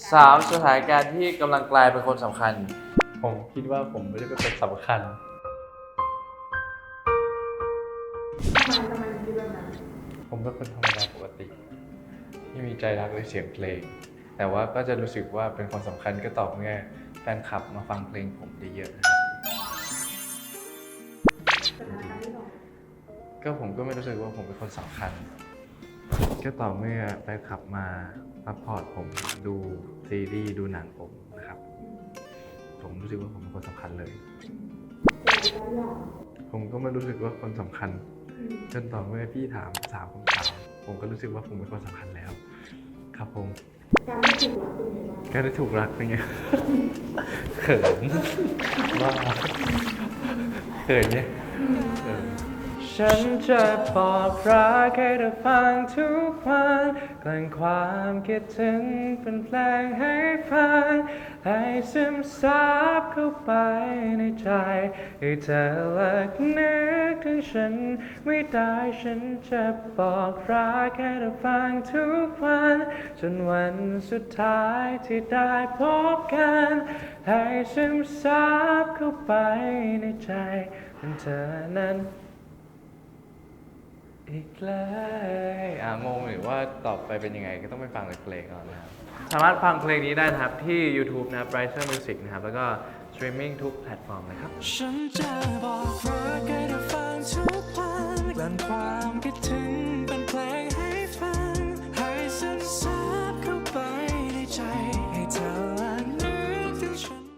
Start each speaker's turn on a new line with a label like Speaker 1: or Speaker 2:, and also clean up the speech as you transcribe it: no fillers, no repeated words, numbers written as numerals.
Speaker 1: 3 สถานการณ์ที่กำลังกลายเป็นคนสำคัญ
Speaker 2: ผมคิดว่าผมไม่ได้เป็นคนสำคัญ
Speaker 3: ทำไมคิดแบบนั้น
Speaker 2: ผมเป็นคนธรรมดาปกติที่มีใจรักในเสียงเพลงแต่ว่าก็จะรู้สึกว่าเป็นคนสำคัญก็ต่อเมื่อแฟนคลับมาฟังเพลงผมเยอะๆนะครับก็ผมก็ไม่รู้สึกว่าผมเป็นคนสำคัญก็ต่อเมื่อแฟนคลับมาซัพพอร์ตผมดูซีรีส์ดูหนังผมนะครับผมรู้สึกว่าผมเป็นคนสำคัญเลยผมก็ไม่รู้สึกว่าคนสำคัญจนต่อเมื่อพี่ถาม3 คำถามผมก็รู้สึกว่าผมเป็นคนสำคัญแล้วครับผมการได้ถูกรักเป็นไงเขินว่าเขินเนี่ยฉันจะบอกรักให้เธอฟังทุกวันกลั่นความคิดถึงเป็นเพลงให้ฟังให้ซึมซับเข้าไปในใจให้เธอเลิกนึกถึงฉันไม่ได้ฉันจะบอกรักให้เธอฟังทุกวันจนวันสุดท้ายที่ได้พบกันให้ซึมซับเข้าไปในใจเป็นเธอนั้นอีกเลยงงหรือว่าต่อไปเป็นยังไงก็ต้องไปฟังในเพลงก่อนนะครับสามารถฟังเพลงนี้ได้นะครับที่ YouTube นะครับ Brighter Music นะครับแล้วก็สตรีมมิ่งทุกแพลตฟอร์มเลยครับฉันจะบอกรักให้เธอฟังทุกวันกลั่นความคิดถึง